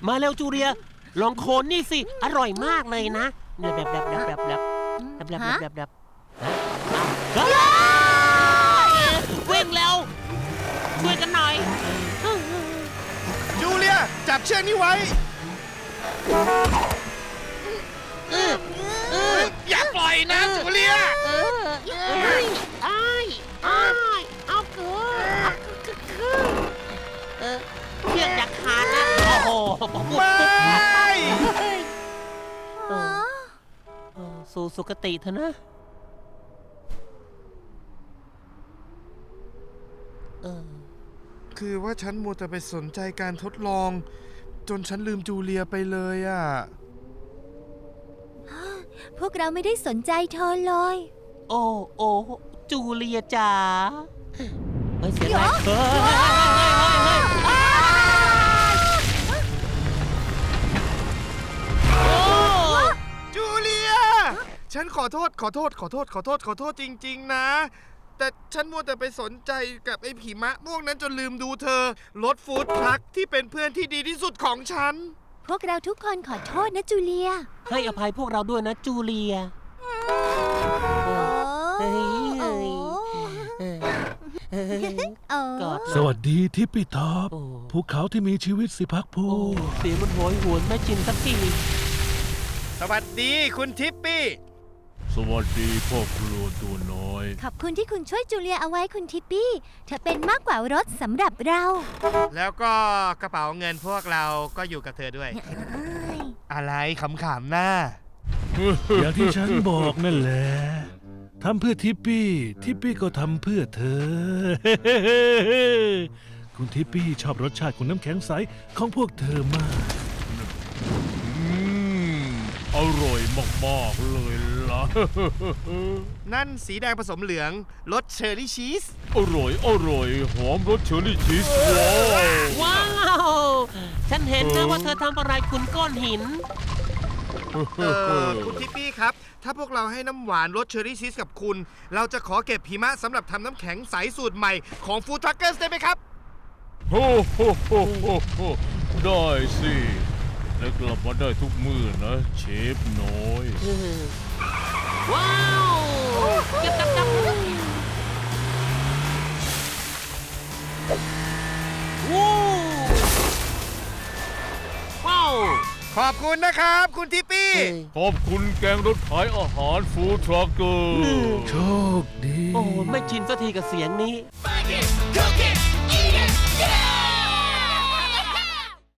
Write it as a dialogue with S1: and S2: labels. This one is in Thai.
S1: มาเร็วจูเลียลองโคนนี่สิอร่อยมากเลยนะเนี่ยแบบวิ่งเร็วช่วยกันหน่อย
S2: จูเลียจับเชือกนี้ไว้อย่าปล่อยนะจูเลีย
S1: เชือกอยากขาดนะโอ้โหสู่สุคติเถอะนะ
S2: คือว่าฉันมัวแต่ไปสนใจการทดลองจนฉันลืมจูเลียไปเลยอ่ะ
S3: พวกเราไม่ได้สนใจเธอเลย
S1: โอ้จูเลียจ๋าเฮ้ยเสียงอะไร
S2: จูเลียฉันขอโทษจริงๆนะแต่ฉันมัวแต่ไปสนใจกับไอ้ผีมะพวกนั้นจนลืมดูเธอรถฟู้ดทรัคที่เป็นเพื่อนที่ดีที่สุดของฉัน
S3: พวกเราทุกคนขอโทษนะจูเลีย
S1: ให้อภัยพวกเราด้วยนะจูเลียกอด
S4: สวัสดีทิปปี้ท็อปภูเขาที่มีชีวิตสิพักภู
S1: เสียงมันโหยหวนไม่จินสักที
S2: สวัสดีคุณทิปปี้
S4: สวัสดีพ่อครัวตัวน้อย
S3: ขอบคุณที่คุณช่วยจูเลียเอาไว้คุณทิปปี้เธอเป็นมากกว่ารถสำหรับเรา
S2: แล้วก็กระเป๋าเงินพวกเราก็อยู่กับเธอด้วย อะไรขำๆหน้า
S4: อย่างที่ฉันบอกนั่นแหละทำเพื่อทิปปี้ทิปปี้ก็ทำเพื่อเธอ คุณทิปปี้ชอบรสชาติของน้ำแข็งใสของพวกเธอมากอร่อยมากๆเลยล่ะ
S2: นั่นสีแดงผสมเหลืองรสเชอร์รี่ชีส
S4: อร่อยหอมรสเชอร์รี่ชีส
S1: ว้
S4: ว้าว
S1: าวฉันเห็นนะว่าเธอทำอะไรคุณก้อนหิน
S2: คุณทิปปี้ครับถ้าพวกเราให้น้ำหวานรสเชอร์รี่ชีสกับคุณเราจะขอเก็บหิมะสำหรับทำน้ำแข็งใสสูตรใหม่ของฟู้ดทรัคเกอร์ได้ไหมครับ
S4: โอ้โหได้สิและกลับมาได้ทุกมื้อนะเชฟน้อย
S1: ว้าวจับว้าว
S2: ขอบคุณนะครับคุณทิปปี้
S4: ขอบคุณแกงรถขายอาหารฟู้ดทรัคเกอร์โชคดี
S1: โอ้ไม่ชินสักทีกับเสียงนี้
S5: Bake it, cook it.